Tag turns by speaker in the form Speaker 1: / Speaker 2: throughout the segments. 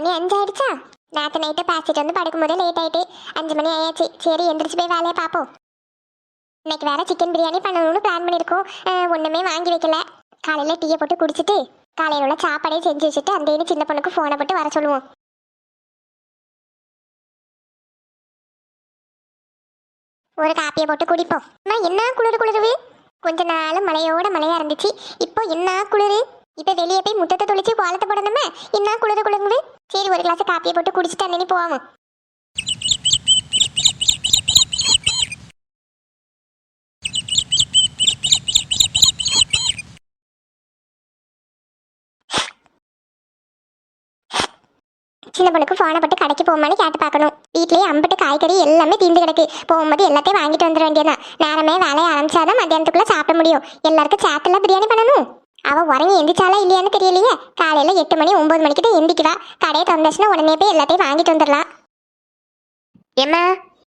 Speaker 1: மணி 5 ஆயிடுச்சா? நேற்று நைட்டு பேசிட்டு வந்து படுக்கும்போது லேட் ஆயிட்டு 5 மணி ஆயாச்சு. சரி எந்திரிச்சு போய் வேலையை பார்ப்போம். இன்னைக்கு வேற சிக்கன் பிரியாணி பண்ணணும்னு பிளான் பண்ணியிருக்கோம். ஒன்றுமே வாங்கி வைக்கல. காலையில் டீயை போட்டு குடிச்சிட்டு காலையில் உள்ள சாப்பாடே செஞ்சு வச்சுட்டு அந்த சின்ன பொண்ணுக்கு ஃபோனை போட்டு வர சொல்லுவோம். ஒரு காப்பியை போட்டு குடிப்போம். நான் என்ன குளிருது. கொஞ்ச நாள் மழையோட மழையா இருந்துச்சு. இப்போ என்ன குளிரு. இப்போ வெளியே போய் முத்தத்தை தொளிச்சு கோலத்தை போடணுமே. என்ன குளிருது. சரி ஒரு கிளாஸ் காப்பியை போட்டு குடிச்சிட்டு அன்னி போவோம். சின்ன பொண்ணுக்கு ஃபோனை போட்டு கடைக்கு போகுமான்னு கேட்டு பார்க்கணும். வீட்லேயே அம்பட்டு காய்கறி எல்லாமே தீர்ந்து கிடக்கு. போகும்போது எல்லாத்தையும் வாங்கிட்டு வந்துட வேண்டியதான். நேரமே வேலையை ஆரம்பிச்சாதான் மத்தியானத்துக்குள்ள சாப்பிட முடியும். எல்லாருக்கும் சேட்டெல்லாம் பிரியாணி பண்ணணும். அவள் உறங்கி எந்திரிச்சாலா இல்லையான்னு தெரியலையே. காலையில் 8 மணி 9 மணிக்கு தான் எந்திரிக்குவா. கடையை திறந்துச்சுன்னா உடனே போய் எல்லாத்தையும் வாங்கிட்டு வந்துடலாம். ஏம்மா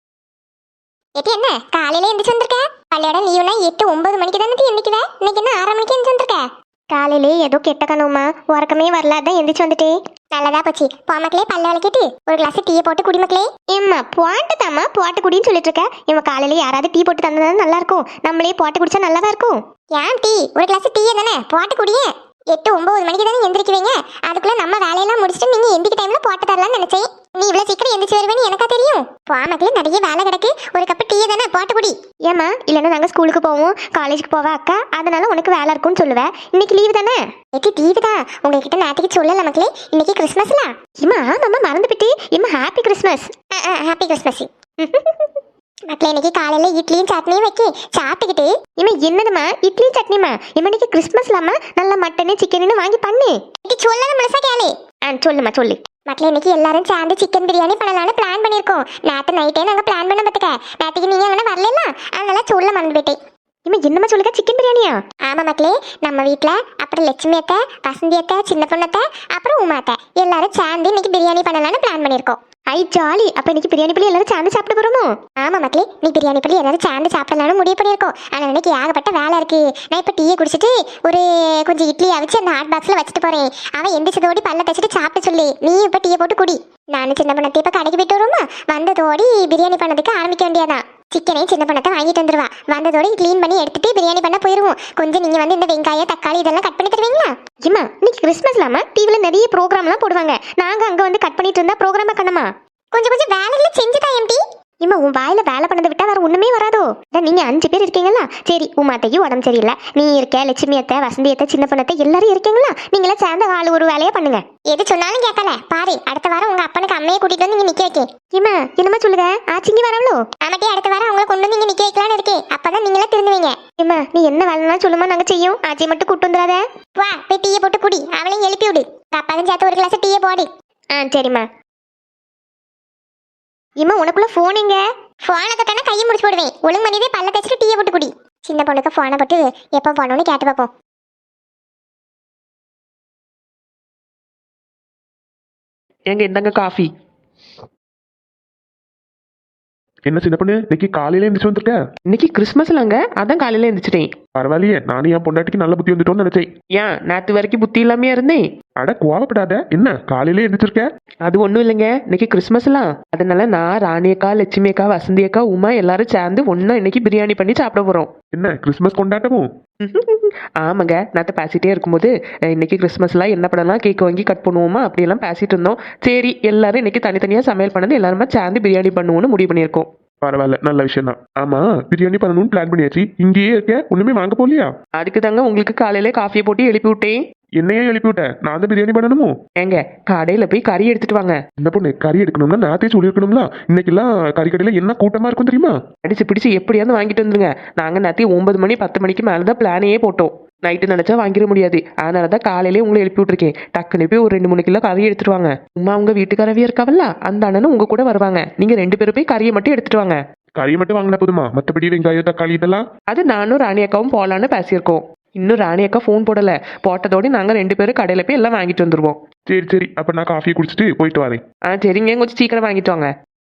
Speaker 1: எட்டி என்ன காலையில எந்திரிச்சு வந்திருக்க? பள்ளியோட லீவுனா 8 9 மணிக்கு தானே எந்திரிக்குவ. இன்னைக்கு என்ன 6 மணிக்கு எந்திரிச்சு வந்திருக்க? காலையிலே ஏதோ கெட்ட கனவுமா, உறக்கமே வரல, அதான் எந்திரிச்சு வந்துட்டேன். நல்லதா போச்சு. போமக்களே பல்ல விளக்கிட்டு ஒரு கிளாஸ் டீயை போட்டு குடிமக்களே. ஏம்மா போட்டு தாம்மா போட்டு குடின்னு சொல்லிட்டு இருக்க. இவன் காலையில யாராவது டீ போட்டு தந்தா நல்லா இருக்கும். நம்மளே போட்டு குடிச்சா நல்லாதான் இருக்கும். ஏன் டீ ஒரு கிளாஸ் டீயே தானே போட்டு குடியே. 8 9 மணிக்கு தானே எந்திரிக்குவீங்க. அதுக்குள்ள நம்ம வேலையெல்லாம் முடிச்சுட்டு நீங்க எந்திரிக்க டைம்ல போட்டு தரலாம்னு நினைச்சேன். நீ இவ்வளவு சீக்கிரம் எந்திரிச்சு வருவேன்னு எனக்கா தெரியும். போமக்களே நிறைய வேலை கிடக்கு. ஒரு கப்பு டீயை தானே போட்டு குடி. ஏமா இல்லைன்னா நாங்க ஸ்கூலுக்கு போவோம், காலேஜுக்கு போவா அக்கா, அதனால உனக்கு வேலை இருக்கும்னு சொல்லுவேன். இன்னைக்கு லீவு தானே? எட்டி லீவு தான். உங்ககிட்ட நேற்றுக்கு சொல்லல மக்களே. இன்னைக்கு கிறிஸ்மஸ்ல. இம்மா ஆமாம்மா மறந்துபிட்டு. இம்மா ஹாப்பி கிறிஸ்மஸ். Happy Christmas. மக்களே இன்னைக்கு காலையில இட்லியும் சட்னியும் வைக்க சாப்பிட்டுக்கிட்டு. இம்மா என்னதுமா இட்லியும் சட்னிமா? இம்மா இன்னைக்கு கிறிஸ்மஸ்லாமா, நல்ல மட்டனு சிக்கன்னு வாங்கி பண்ணு. சொல்லல மனசா கேளு. சொல்லுமா சொல்லு. மக்களே இன்னைக்கு எல்லாரும் சேர்ந்து சிக்கன் பிரியாணி பண்ணலாம்னு பிளான் பண்ணியிருக்கோம். நேற்று நைட்டே நாங்கள் பிளான் பண்ண பார்த்துக்க. நேற்றுக்கு நீங்கள் அங்கே வரல, அதனால சொல்ல மறந்து போயிட்டேன். இம்மா என்னம்மா சொல்லுங்க, சிக்கன் பிரியாணியா? ஆமா மக்களே, நம்ம வீட்டில் அப்புறம் லட்சுமி அத்தை, வசந்தி அத்தை, சின்ன பொண்ணத்தை, அப்புறம் உமா அத்தை எல்லாரும் சேர்ந்து இன்னைக்கு பிரியாணி பண்ணலாம்னு பிளான் பண்ணியிருக்கோம். ஐ ஜாலி. அப்போ இன்னைக்கு பிரியாணி பண்ணி எல்லாரும் சேர்ந்து சாப்பிட போகிறோமோ? ஆமா மக்களே, நீ பிரியாணி பண்ணி எல்லாரும் சேர்ந்து சாப்பிடலாம்னு முடிவு பண்ணியிருக்கோம். ஆனால் இன்னைக்கு ஏகப்பட்ட வேலை இருக்கு. நான் இப்போ டீயை குடிச்சிட்டு ஒரு கொஞ்சம் இட்லி அவிச்சு அந்த ஹாட் பாக்ஸில் வச்சுட்டு போகிறேன். அவன் எந்திரிச்சதோடி பல்ல தச்சுட்டு சாப்பிட்டு சொல்லி நீ இப்போ டீயை போட்டு குடி. நானும் சின்ன பொண்ணத்தை இப்போ கடைக்கு போயிட்டு வருவோமா, வந்ததோடி பிரியாணி பண்ணதுக்கு ஆரம்பிக்க வேண்டியதான். சிக்கனையும் சின்ன பொண்ணத்தை வாங்கிட்டு வந்துருவா. வந்ததோட க்ளீன் பண்ணி எடுத்துட்டு பிரியாணி பண்ண போயிருவோம். கொஞ்சம் நீங்க வந்து இந்த வெங்காயம் தக்காளி இதெல்லாம் கட் பண்ணி தருவீங்களா? இம்மா இன்னைக்கு கிறிஸ்மஸ்லாமா, டிவில நிறைய ப்ரோக்ராம்லாம் போடுவாங்க. நாங்க அங்க வந்து கட் பண்ணிட்டு இருந்தா ப்ரோக்ராமா கண்ணமா? கொஞ்சம் வேலைகளை செஞ்சுதான் எம்டி. இம்மா உன் வாயில வேலை பண்ணதை விட்டா வேற ஒண்ணுமே வராதோ? நீங்க 5 பேர் இருக்கீங்களா? சரி உமாத்தையும் உடம்பு சரியில்லை, நீ இருக்க, லட்சுமி அத்தை, வசந்தி அத்தை, சின்ன பொண்ணத்தை எல்லாரும் இருக்கீங்களா? நீங்களா சேர்ந்த ஆள் ஒரு வேலையை பண்ணுங்க. எது சொன்னாலும் கேட்கல பாரு. அடுத்த வாரம் உங்க அப்பனுக்கு அம்மையை கூட்டிட்டு வந்து இங்க நிக்க வைக்க. இம்மா என்னமா சொல்லுங்க, ஆச்சிங்க வரவளோ? ஆமாட்டி அடுத்த வாரம் அவங்களை கொண்டு வந்து இங்க நிக்க வைக்கலான்னு இருக்கு. அப்பதான் நீங்களா திருந்துவீங்க. இம்மா நீ என்ன வேலைனா சொல்லுமா, நாங்க செய்யும். ஆச்சியை மட்டும் கூட்டு வந்துடாத. வா போய் டீயை போட்டு குடி. அவளையும் எழுப்பி விடு. அப்பாவும் சேர்த்து ஒரு கிளாஸ் டீயை போடு. சரிம்மா. இம்மா உனக்குள்ள போன் எங்க? போனை தொட்டானா கையை முடிச்சு போடுவேன். ஒழுங்கு மணிதே பல்ல தச்சுட்டு டீயை போட்டு குடி. சின்ன பொண்ணுக்கு போனை போட்டு எப்போ போனோன்னு கேட்டு பார்ப்போம்.
Speaker 2: எங்க இந்தாங்க காஃபி.
Speaker 3: என்ன சின்ன பொண்ணு இன்னைக்கு காலையில எந்திரிச்சு வந்திருக்க?
Speaker 2: இன்னைக்கு கிறிஸ்மஸ்லங்க, அதான் காலையில எந்திரிச்சிட்டேன்.
Speaker 3: பரவாயில்லையே, நானும் என் பொண்டாட்டிக்கு நல்ல புத்தி வந்துட்டோம்னு நினைச்சேன்.
Speaker 2: ஏன் நேற்று வரைக்கும் புத்தி இல்லாமையா இருந்தேன்?
Speaker 3: அட கோவப்படாத, என்ன காலையில எந்திரிச்சிருக்க?
Speaker 2: அது ஒன்றும் இல்லைங்க, இன்னைக்கு கிறிஸ்மஸ்லாம். அதனால நான் ராணி அக்கா, லட்சுமி அக்கா, வசந்தி அக்கா, உமா எல்லாரும் சேர்ந்து ஒன்னா இன்னைக்கு பிரியாணி பண்ணி சாப்பிட போறோம்.
Speaker 3: என்ன கிறிஸ்மஸ் கொண்டாட்டமும்?
Speaker 2: ஆமாங்க, நேற்று பேசிட்டே இருக்கும்போது இன்னைக்கு கிறிஸ்மஸ்லாம் என்ன பண்ணலாம், கேக் வாங்கி கட் பண்ணுவோமா அப்படியெல்லாம் பேசிட்டு இருந்தோம். சரி எல்லாரும் இன்னைக்கு தனித்தனியா சமையல் பண்ணது எல்லாருமே சேர்ந்து பிரியாணி பண்ணுவோம்னு முடிவு பண்ணியிருக்கோம்.
Speaker 3: பரவாயில்ல, நல்ல விஷயம் தான். ஆமா பிரியாணி பண்ணணும்னு பிளான் பண்ணியாச்சு. இங்கேயே இருக்க, ஒண்ணுமே வாங்க போலியா?
Speaker 2: அதுக்கு தாங்க உங்களுக்கு காலையில காஃபியை போட்டு எழுப்பி விட்டேன்.
Speaker 3: என்னையே எழுப்பி விட்ட? நான் தான் பிரியாணி பண்ணணுமோ?
Speaker 2: ஏங்க கடையில போய் கறி எடுத்துட்டு வாங்க.
Speaker 3: இந்த பொண்ணு கறி எடுக்கணும்னா நாத்தே சொல்லியிருக்கணும்ல. இன்னைக்கெல்லாம் கறி கடையில என்ன கூட்டமா இருக்கும் தெரியுமா?
Speaker 2: அடிச்சு பிடிச்சு எப்படியாவது வாங்கிட்டு வந்துருங்க. நாங்க நேற்று 9 மணி 10 மணிக்கு மேலதான் பிளானையே போட்டோம். நைட்டு நினைச்சா வாங்கிட முடியாது. அதனாலதான் காலையிலேயே உங்களை எழுப்பி விட்டுருக்கேன். டக்குனு போய் ஒரு 2-3 கிலோ கறி எடுத்துட்டு வாங்க. உமா உங்க வீட்டுக்காரவே இருக்காவல்ல, அந்த அண்ணனும் உங்க கூட வருவாங்க. நீங்க 2 பேரும் போய் கறியை மட்டும் எடுத்துட்டு வாங்க.
Speaker 3: கறியை மட்டும் வாங்கினா போதுமா? மற்றபடி வெங்காயம் தக்காளி இதெல்லாம்?
Speaker 2: அது நானும் ராணி அக்காவும் போலான்னு பேசியிருக்கோம். இன்னும் ராணி அக்கா ஃபோன் போடல. போட்டதோடு நாங்க 2 பேரும் கடையில போய் எல்லாம் வாங்கிட்டு வந்துருவோம்.
Speaker 3: சரி சரி, அப்ப நான் காஃபியை குடிச்சிட்டு போயிட்டு வரேன்.
Speaker 2: சரிங்க, கொஞ்சம் சீக்கிரம் வாங்கிட்டு வாங்க.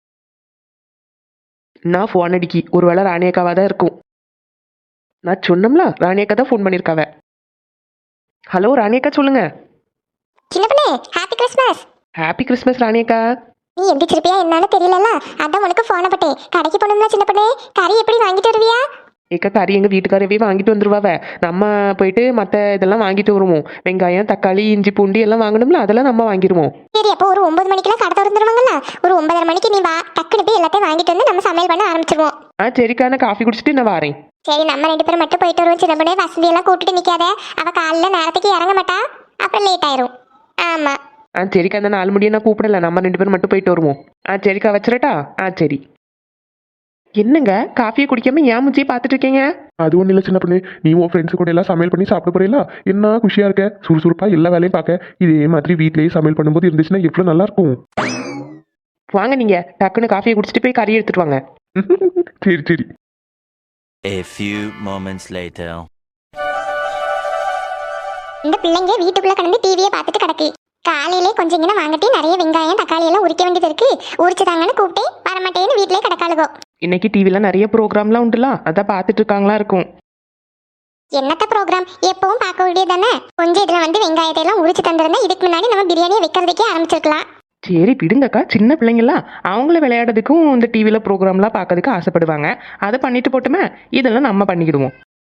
Speaker 2: நான் ஃபோன் அடிக்கி, ஒருவேளை ராணி அக்காவா தான் இருக்கும். நான் சொன்னோம்ல, ராணி அக்கா தான் ஃபோன் பண்ணியிருக்காவ. ஹலோ ராணி அக்கா சொல்லுங்க.
Speaker 1: சின்ன பொண்ணு ஹாப்பி கிறிஸ்மஸ்.
Speaker 2: ஹாப்பி கிறிஸ்மஸ் ராணியக்கா.
Speaker 1: நீ எந்திரிச்சிருப்பியா என்னன்னு தெரியலல்ல, அதான் உனக்கு போன பட்டேன். கடைக்கு போனோம்ல சின்ன பொண்ணு, கறி எப்படி வாங்கிட்டு வருவியா?
Speaker 2: ஏக்கா கறி எங்கள் வீட்டுக்காரவே வாங்கிட்டு வந்துருவாவ. நம்ம போயிட்டு மற்ற இதெல்லாம் வாங்கிட்டு வருவோம். வெங்காயம், தக்காளி, இஞ்சி, பூண்டி எல்லாம் வாங்கணும்ல, அதெல்லாம் நம்ம வாங்கிடுவோம்.
Speaker 1: சரி, அப்போ ஒரு 9 மணிக்கெல்லாம் கடை திறந்துருவாங்கல்ல, ஒரு 9:30 மணிக்கு நீ வா, டக்குனு போய் எல்லாத்தையும் வாங்கிட்டு வந்து நம்ம சமையல் பண்ண ஆரம்பிச்சிருவோம்.
Speaker 2: சரிக்கா, நான் காஃபி குடிச்சிட்டு நான் வரேன்.
Speaker 1: சரி, நம்ம 2 பேரும் மட்டும் போயிட்டு வருவோம் சின்ன பொண்ணு. வசந்தி எல்லாம் கூப்பிட்டு நிக்காத, அவ காலையில நேரத்துக்கு இறங்க மாட்டா, அப்புறம் லேட் ஆயிரும். ஆமா.
Speaker 2: சரிக்கா, அந்த 4 முடியை நான் கூப்பிடல, நம்ம 2 பேரும் மட்டும் போயிட்டு வருவோம். சரிக்கா, வச்சிரட்டா? சரி. என்னங்க காஃபியை குடிக்காம ஏன் முச்சியை பார்த்துட்டு இருக்கீங்க?
Speaker 3: அது ஒன்றும் இல்லை சின்ன பொண்ணு, நீ உன் ஃப்ரெண்ட்ஸு கூட எல்லாம் சமையல் பண்ணி சாப்பிட போறீங்களா? என்ன குஷியா இருக்க, சுறுசுறுப்பா எல்லா வேலையும் பார்க்க. இதே மாதிரி வீட்லயே சமையல் பண்ணும்போது இருந்துச்சுன்னா எவ்வளோ நல்லா இருக்கும்.
Speaker 2: வாங்க, நீங்க டக்குன்னு காஃபியை குடிச்சிட்டு போய் கறி எடுத்துட்டு வாங்க.
Speaker 3: சரி சரி.
Speaker 4: A few moments later.
Speaker 1: இந்த பிள்ளைங்க வீட்டுக்குள்ள கடந்து டிவியை பார்த்துட்டு கிடக்கு. காலையிலே கொஞ்சம் இங்கே வாங்கிட்டு நிறைய வெங்காயம் தக்காளி எல்லாம் உரிக்க வேண்டியது இருக்கு. உரிச்சு தாங்கன்னு கூப்பிட்டே வரமாட்டேன்னு வீட்டிலே கிடக்காளுகோ.
Speaker 2: இன்னைக்கு டிவில நிறைய ப்ரோக்ராம்லாம் உண்டுல, அதான் பார்த்துட்டு இருக்காங்களா இருக்கும்.
Speaker 1: என்னத்த ப்ரோக்ராம் எப்பவும் பார்க்க வேண்டியது தானே. கொஞ்சம் இதுல வந்து வெங்காயத்தை எல்லாம் உரிச்சு தந்திருந்தா இதுக்கு முன்னாடி நம்ம பிரியாணியை வைக்கிறதுக்கே ஆரம்பிச்சிருக்கலாம்.
Speaker 2: சரி விடுங்கக்கா, சின்ன பிள்ளைங்களாம் அவங்கள விளையாடுறதுக்கும் இந்த டிவியில ப்ரோக்ராம்லாம் பார்க்கறதுக்கு ஆசைப்படுவாங்க. அதை பண்ணிட்டு போட்டுமே, இதெல்லாம் நம்ம பண்ணிக்கிடுவோம்.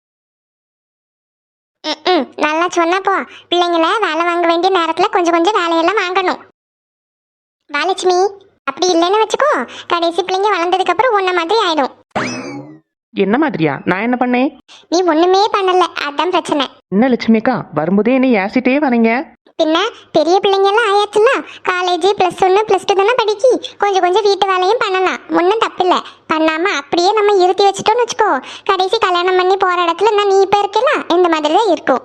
Speaker 1: நல்லா சொன்னப்போ பிள்ளைங்கள வேலை வாங்க வேண்டிய நேரத்துல கொஞ்சம் கொஞ்சம் வேலையெல்லாம் வாங்கணும். வாலட்சுமி, அப்படி இல்லைன்னு வச்சுக்கோ, கடைசி பிள்ளைங்க வளர்ந்ததுக்கு அப்புறம் உன்ன மாதிரி ஆயிடும்.
Speaker 2: என்ன மாதிரியா? நான் என்ன பண்ணேன்?
Speaker 1: நீ ஒண்ணுமே பண்ணல, அதான் பிரச்சனை.
Speaker 2: என்ன லட்சுமிக்கா, வரும்போதே என்ன ஏசிட்டே வரீங்க?
Speaker 1: பின்ன பெரிய பிள்ளைங்க எல்லாம் ஆயாச்சுல, காலேஜ் +1 +2 தானே படிக்கி. கொஞ்சம் கொஞ்சம் வீட்டு வேலையும் பண்ணலாம், ஒன்றும் தப்பில்லை. பண்ணாம அப்படியே நம்ம இருத்தி வச்சுட்டோம்னு வச்சுக்கோ, கடைசி கல்யாணம் பண்ணி போற இடத்துல நான் நீ இப்ப இருக்கலாம் இந்த மாதிரி தான் இருக்கும்.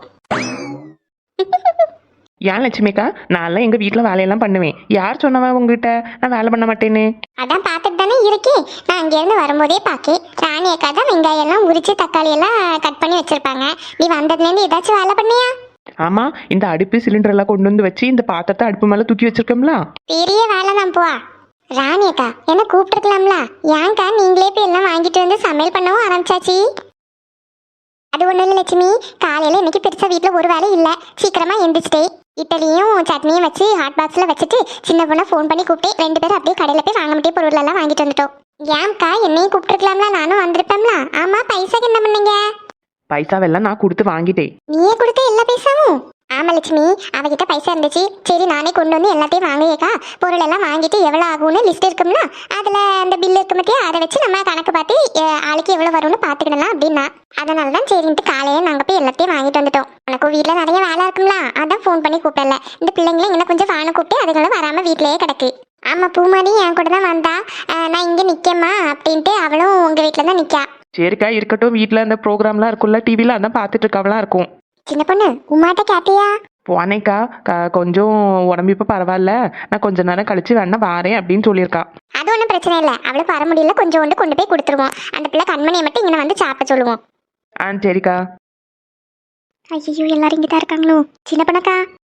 Speaker 2: ஏன் லட்சுமிக்கா, நான்லாம் எங்க வீட்டில் வேலையெல்லாம் பண்ணுவேன். யார் சொன்னவா உங்ககிட்ட நான் வேலை பண்ண மாட்டேன்னு?
Speaker 1: அதான் பார்த்துட்டு தானே இருக்கேன். நான் அங்கேருந்து வரும்போதே பார்க்கேன், ராணி அக்கா தான் வெங்காயம் எல்லாம் உரிச்சு தக்காளி எல்லாம் கட் பண்ணி வச்சிருப்பாங்க. நீ வந்ததுலேருந்து ஏதாச்சும் வேலை பண்ணியா?
Speaker 2: ஆமா, இந்த அடுப்பு சிலிண்டர் எல்லாம் கொண்டு வந்து வச்சு இந்த பாத்திரத்தை அடுப்பு மேல தூக்கி வச்சிருக்கோம்ல,
Speaker 1: பெரிய வேலை தான். போ ராணி அக்கா, என்ன கூப்பிட்டுருக்கலாம்ல, ஏன்க்கா நீங்களே போய் எல்லாம் வாங்கிட்டு வந்து சமையல் பண்ணவும் ஆரம்பிச்சாச்சு? அது ஒன்றும் இல்லை லட்சுமி, காலையில் இன்னைக்கு பெருசாக வீட்டில் ஒரு வேலை இல்லை, சீக்கிரமாக எந்திரிச்சிட்டே இட்லியும் சட்னியும் வச்சு ஹாட் பாக்ஸில் வச்சுட்டு சின்ன பொண்ணை ஃபோன் பண்ணி கூப்பிட்டு 2 பேரும் அப்படியே கடையில் போய் வாங்க முடிய பொருள் எல்லாம் வாங்கிட்டு வந்துட்டோம். ஏன்க்கா என்னையும் கூப்பிட்டுருக்கலாம்ல, நானும் வந்திருப்பேன்ல. ஆமாம், பைசாக்கு என்ன பண்ணீங்க?
Speaker 2: பைசாவெல்லாம் நான் கொடுத்து வாங்கிட்டேன்.
Speaker 1: நீயே கொடுத்த எல்லா பைசாவும்? ஆமா லட்சுமி, அவகிட்ட பைசா இருந்துச்சு. சரி நானே கொண்டு வந்து எல்லாத்தையும் வாங்கியேக்கா. பொருள் எல்லாம் வாங்கிட்டு எவ்வளோ ஆகும்னு லிஸ்ட் இருக்கும்னா அதில் அந்த பில் இருக்கு பற்றியா, அதை வச்சு நம்ம கணக்கு பார்த்து ஆளுக்கு எவ்வளோ வரும்னு பார்த்துக்கிடலாம் அப்படின்னா. அதனால தான் சரின்ட்டு காலையே நாங்கள் போய் எல்லாத்தையும் வாங்கிட்டு வந்துட்டோம். உனக்கும் வீட்டில் நிறைய வேலை இருக்கும்ல, அதான் ஃபோன் பண்ணி கூப்பிடல. இந்த பிள்ளைங்களும் இன்னும் கொஞ்சம் வாங்க கூப்பிட்டு அதுங்களும் வராமல் வீட்டிலேயே கிடக்கு. ஆமாம், பூமாரி என் கூட தான் வந்தா. நான் இங்கே நிற்கேம்மா அப்படின்ட்டு அவளும் உங்கள் வீட்டில் தான் நிற்கா.
Speaker 2: சரிக்கா, இருக்கட்டும். வீட்டில் அந்த ப்ரோக்ராம்லாம் இருக்கும்ல டிவியில், அதான் பார்த்துட்டு இருக்கவெல்லாம் இருக்கும்.
Speaker 1: சின்ன பொண்ணு, உமாட்ட கேட்டியா?
Speaker 2: போனேக்கா, கொஞ்சம் உடம்பு இப்போ பரவாயில்ல, நான் கொஞ்ச நேரம் கழிச்சு வேணா வாரேன் அப்படின்னு சொல்லியிருக்கா.
Speaker 1: அது ஒன்றும் பிரச்சனை இல்லை, அவளுக்கு வர முடியல, கொஞ்சோண்டு கொண்டு போய் கொடுத்துருவோம். அந்த பிள்ளை கண்மணியை மட்டும் இங்கே வந்து சாப்பிட சொல்லுவோம்.
Speaker 2: சரிக்கா.
Speaker 1: ஐயோ, எல்லாரும் இங்கே தான் இருக்காங்களோ. சின்ன பொண்ணக்கா.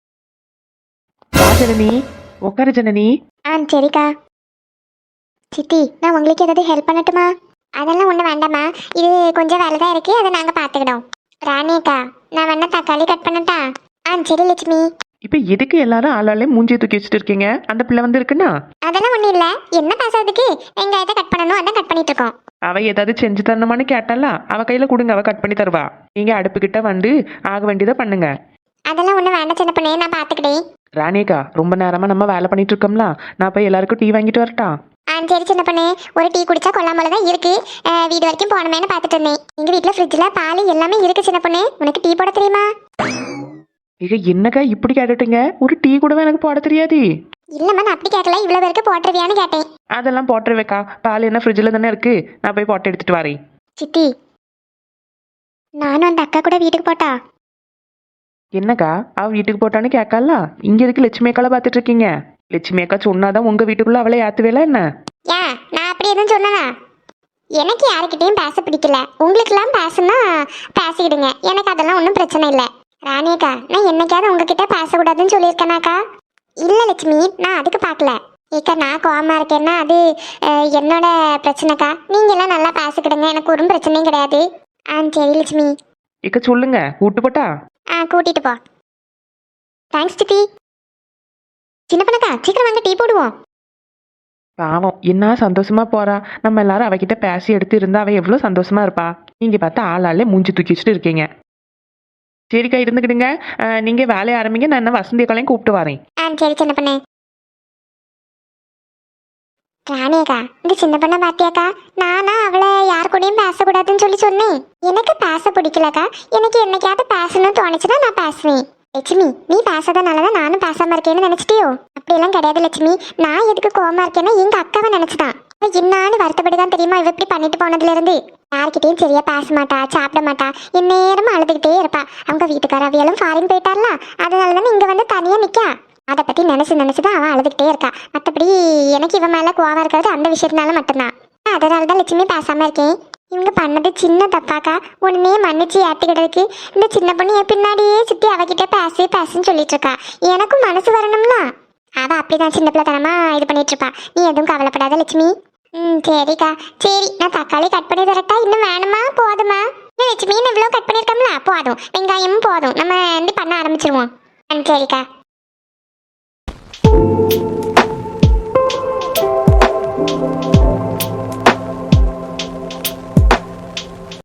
Speaker 2: ஜனனி, உட்காரு ஜனனி.
Speaker 1: சரிக்கா. சித்தி, நான் உங்களுக்கு ஏதாவது ஹெல்ப் பண்ணட்டுமா? அதெல்லாம் ஒன்றும் வேண்டாமா, இது கொஞ்சம் வேலை தான் இருக்குது, அதை நாங்கள் பார்த்துக்கிட்டோம். ராணியக்கா, நான் வேணா தக்காளி கட் பண்ணட்டா? சரி லட்சுமி.
Speaker 2: இப்போ எதுக்கு எல்லாரும் ஆளாலே மூஞ்சியை தூக்கி வச்சுட்டு இருக்கீங்க? அந்த பிள்ளை வந்து இருக்குன்னா?
Speaker 1: அதெல்லாம் ஒன்றும் இல்லை, என்ன பேசுறதுக்கு, வெங்காயத்தை கட் பண்ணணும், அதான் கட் பண்ணிட்டு இருக்கோம்.
Speaker 2: அவ ஏதாவது செஞ்சு தரணுமான்னு கேட்டால, அவ கையில கொடுங்க, அவ கட் பண்ணி தருவா. நீங்க அடுப்புக்கிட்ட வந்து ஆக வேண்டியதை பண்ணுங்க.
Speaker 1: அதெல்லாம் ஒன்றும் வேண்டாம் சின்ன பொண்ணு, நான் பார்த்துக்கிட்டேன்.
Speaker 2: ராணியக்கா, ரொம்ப நேரமா நம்ம வேலை பண்ணிட்டு இருக்கோம்ல, நான் போய் எல்லாருக்கும் டீ வாங்கிட்டு வரட்டா?
Speaker 1: சரி சின்ன பொண்ணு, ஒரு டீ குடிச்சா கொல்லாமல தான் இருக்கு. வீடு வரைக்கும் போனமேனு பார்த்துட்டு இருந்தேன். எங்க வீட்டில் ஃப்ரிட்ஜில் பால் எல்லாமே இருக்கு சின்ன பொண்ணு, உனக்கு டீ போட தெரியுமா?
Speaker 2: இங்க என்னக்கா இப்படி கேட்டுட்டீங்க? ஒரு டீ கூடவே எனக்கு போட தெரியாது.
Speaker 1: இல்லம்மா, நான் அப்படி கேட்கல, இவ்வளோ பேருக்கு போட்டுருவியான்னு கேட்டேன்.
Speaker 2: அதெல்லாம் போட்டுருவேக்கா, பால் என்ன ஃப்ரிட்ஜில் தானே இருக்கு, நான் போய் போட்டு எடுத்துட்டு வரேன்.
Speaker 1: சித்தி, நானும் அந்த அக்கா கூட வீட்டுக்கு போட்டா?
Speaker 2: என்னக்கா, அவ வீட்டுக்கு போட்டான்னு கேட்கல, இங்க எதுக்கு லட்சுமி அக்கால பார்த்துட்டு இருக்கீங்க? லட்சுமி அக்கா சொன்னாதான் உங்க வீட்டுக்குள்ள அவளை ஏத்துவேல என்ன?
Speaker 1: ஏன் நான் அப்படி எதுவும் சொன்னனா? எனக்கு யாருக்கிட்டையும் பேச பிடிக்கல, உங்களுக்கெல்லாம் பேசுனா பேசிக்கிடுங்க, எனக்கு அதெல்லாம் ஒன்றும் பிரச்சனை இல்லை. ராணியக்கா, நான் என்னைக்காவது உங்ககிட்ட பேசக்கூடாதுன்னு சொல்லியிருக்கேனாக்கா? இல்லை லட்சுமி, நான் அதுக்கு பார்க்கல. ஏக்கா, நான் கோவமா இருக்கேன்னா அது என்னோட பிரச்சனைக்கா. நீங்க எல்லாம் நல்லா பேசிக்கிடுங்க, எனக்கு ஒரு பிரச்சனையும் கிடையாது. சரி லட்சுமி.
Speaker 2: இக்க சொல்லுங்க, கூட்டு போட்டா?
Speaker 1: கூட்டிட்டு போ. தேங்க்ஸ் சித்தி. சின்ன பண்ணக்கா சீக்கிரம் வாங்க டீ போடுவோம்.
Speaker 2: பாவம் என்ன சந்தோஷமா போறா. நம்ம எல்லாரும் அவகிட்ட பேசி எடுத்து இருந்தா அவ எவ்வளவு சந்தோஷமா இருப்பா. நீங்க பார்த்தா ஆளாலே மூஞ்சி தூக்கி வச்சுட்டு இருக்கீங்க. சரிக்கா இருந்துக்கிடுங்க. நீங்க வேலையை ஆரம்பிங்க. நான் என்ன வசந்தி அக்காளையும் கூப்பிட்டு வரேன்.
Speaker 1: சரி சின்ன பண்ணு. ராணியக்கா இந்த சின்ன பண்ண பாத்தியாக்கா, நானா அவளை யார் கூடயும் பேசக்கூடாதுன்னு சொல்லி சொன்னேன். எனக்கு பேச பிடிக்கலக்கா. எனக்கு என்னைக்காவது பேசணும்னு தோணுச்சுன்னா நான் பேசுவேன். லட்சுமி நீ பேசாதனாலதான் நானும் பேசாம இருக்கேன்னு நினைச்சிட்டியோ? அப்படியெல்லாம் கிடையாது லட்சுமி. நான் எதுக்கு கோவமா இருக்கேன்னா எங்க அக்காவை நினைச்சுதான். என்னான்னு வருத்தப்பட்டுதான் தெரியுமா இவ இப்படி பண்ணிட்டு போனதுல இருந்து. யார்கிட்டயும் சரியா பேச மாட்டா, சாப்பிட மாட்டா, எந்நேரமும் அழுதுகிட்டே இருப்பா. அவங்க வீட்டுக்கார அவியலும் ஃபாரின் போயிட்டார்ல, அதனாலதானே இங்க வந்து தனியா நிக்கா. அதை பத்தி நினைச்சுதான் அவன் அழுதுகிட்டே இருக்கா. மற்றபடி எனக்கு இவன் மேல கோவம் இருக்கிறது அந்த விஷயத்தினால மட்டும்தான். அதனாலதான் லட்சுமி பேசாம இருக்கேன். இவங்க பண்ணது சின்ன தப்பாக்கா, உடனே மன்னிச்சு ஏத்துக்கிட்டதுக்கு இந்த சின்ன பொண்ணு என் பின்னாடியே சுத்தி அவகிட்ட பேசுன்னு சொல்லிட்டு இருக்கா. எனக்கும் மனசு வரணும்ல. அவ அப்படிதான் சின்ன பிள்ளைத்தனமா இது பண்ணிட்டு இருப்பா. நீ எதுவும் கவலைப்படாத லட்சுமி. சரிக்கா. சரி நான் தக்காளி கட் பண்ணி தரட்டா? இன்னும் வேணுமா போதுமா? லட்சுமி இவ்வளவு கட் பண்ணிருக்கோம்ல, போதும். வெங்காயமும் போதும். நம்ம வந்து பண்ண ஆரம்பிச்சிருவோம். சரிக்கா.